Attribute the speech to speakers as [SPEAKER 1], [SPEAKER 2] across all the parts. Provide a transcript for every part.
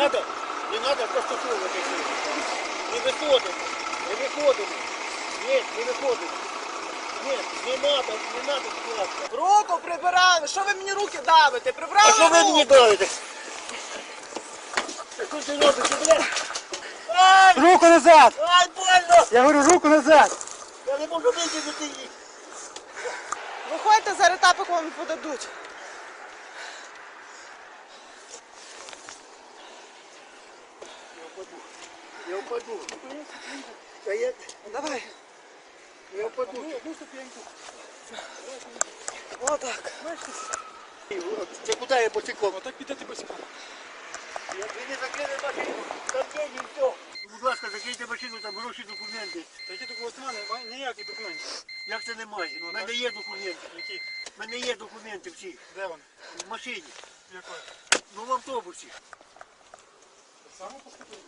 [SPEAKER 1] надо проштовхувати. Не виходимо. Не виходимо. Ні, не виходимо. Ні, не надо скласти.
[SPEAKER 2] Руку прибирали! Що ви мені руки давите? Прибрали
[SPEAKER 1] А що ви
[SPEAKER 2] руку!
[SPEAKER 1] мені давите? Що ти робиш, блядь? Ай!
[SPEAKER 3] Руку назад!
[SPEAKER 1] Ай, больно!
[SPEAKER 3] Я говорю, руку назад!
[SPEAKER 1] Я не можу витягнути їх.
[SPEAKER 2] Виходьте, зараз тапок вам подадуть.
[SPEAKER 1] Я впаду.
[SPEAKER 2] Давай.
[SPEAKER 1] Я впаду.
[SPEAKER 2] Отак.
[SPEAKER 1] Це куди я босиком?
[SPEAKER 3] Отак підете босиком.
[SPEAKER 1] Ви не закрили машину. Там день і все. Будь ласка, закрийте машину, там гроші, документи.
[SPEAKER 3] Такі документи немає, ніяких документів.
[SPEAKER 1] Як це немає? У мене є документи.
[SPEAKER 3] Які?
[SPEAKER 1] У мене є документи всі.
[SPEAKER 3] Де вони?
[SPEAKER 1] В машині.
[SPEAKER 3] Якої?
[SPEAKER 1] Ну в автобусі.
[SPEAKER 3] Саме поступили?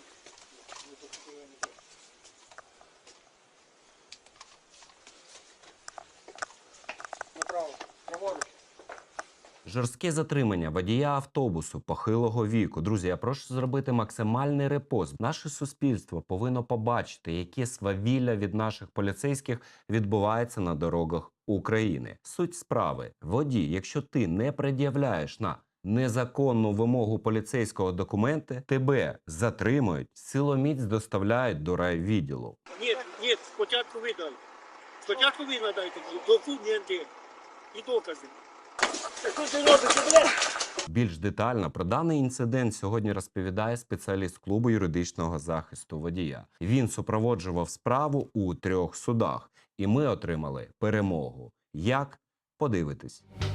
[SPEAKER 3] Направо. Праворуч.
[SPEAKER 4] Жорстке затримання водія автобусу похилого віку. Друзі, я прошу зробити максимальний репост. Наше суспільство повинно побачити, яке свавілля від наших поліцейських відбувається на дорогах України. Суть справи. Водій, якщо ти не пред'являєш на незаконну вимогу поліцейського документи, тебе затримують, силоміць доставляють до райвідділу.
[SPEAKER 1] Ні, спочатку ви дай. Спочатку ви надайте документи і докази. Що ти робиш, блядь?
[SPEAKER 4] Більш детально про даний інцидент сьогодні розповідає спеціаліст клубу юридичного захисту водія. Він супроводжував справу у 3 судах, і ми отримали перемогу. Як? Подивитись.